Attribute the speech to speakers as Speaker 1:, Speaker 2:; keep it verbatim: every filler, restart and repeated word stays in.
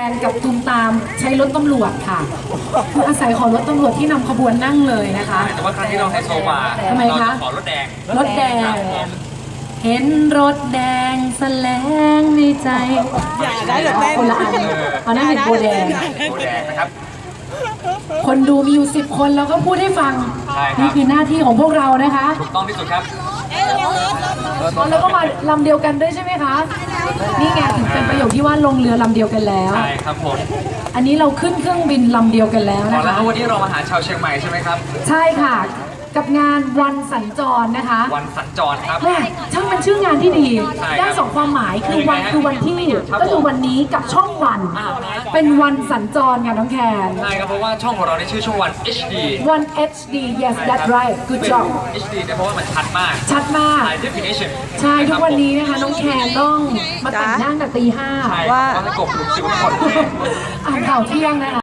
Speaker 1: นกับตูมตามใช้รถตำรวจค่ะคืออาศัยขอรถตำรวจที่นำขบวนนั่งเลยนะคะ
Speaker 2: แต่ว่าครั้งที่เราไฮโซมา
Speaker 1: ทำไมคะ
Speaker 2: เราจะขอรถแดง
Speaker 1: รถแดง เห็นรถแดงแสลงในใจ
Speaker 3: อย่าได้แบบแม่
Speaker 1: คนละอันเอาหน้าเห็นโบแดง
Speaker 2: โบแดงนะครับ
Speaker 1: คนดูมีอยู่สิบคนแล้วก็พูดให้ฟัง
Speaker 2: ใช่ครับ
Speaker 1: นี่คือหน้าที่ของพวกเรานะคะ
Speaker 2: ถูกต้องที่สุดครับ
Speaker 1: อ๋อแล้วก็มาลำเดียวกันด้วยใช่ไหมคะ นี่ไงถึงเป็นประโยคที่ว่าลงเรือลำเดียวกันแล้ว
Speaker 2: ใช่ครับผม
Speaker 1: อันนี้เราขึ้นเครื่องบินลำเดียวกันแล้ว
Speaker 2: อ๋อ
Speaker 1: นะ
Speaker 2: แล้ว
Speaker 1: คะ
Speaker 2: วันนี้เรามาหาชาวเชียงใหม่ใช่ไหมครับ
Speaker 1: ใช่ค่ะ กับงานวันสัญจรนะคะ
Speaker 2: วันสัญจรครับ
Speaker 1: แม่ช่างเป็นชื่องานที่ดี
Speaker 2: ใช่ครับ
Speaker 1: ได้สองความหมายคือวัน
Speaker 2: คือไงฮะ
Speaker 1: คือวันที่
Speaker 2: ครับ
Speaker 1: ก็คือวันนี้กับช่องวัน
Speaker 2: อ่าฮะ
Speaker 1: เป็นวันสัญจรค่ะน้องแคน
Speaker 2: ใช่ครับเพราะว่าช่องของเราในชื่อช่องวัน เอช ดี
Speaker 1: วัน เอช ดี yes that's right good
Speaker 2: เป็น
Speaker 1: job
Speaker 2: เอช ดี เนี่ยเพราะว่ามันชัดมาก
Speaker 1: ชัดมาก
Speaker 2: high definition
Speaker 1: ใช่ทุกวันนี้นะคะน้องแคนต้องมาแต่งหน้าตั้งแต่ตีห้า
Speaker 2: ใช่ว่าให้กบหลุมสิวทั้งหมด
Speaker 1: อ่านข่าวเที่ยงนะคะ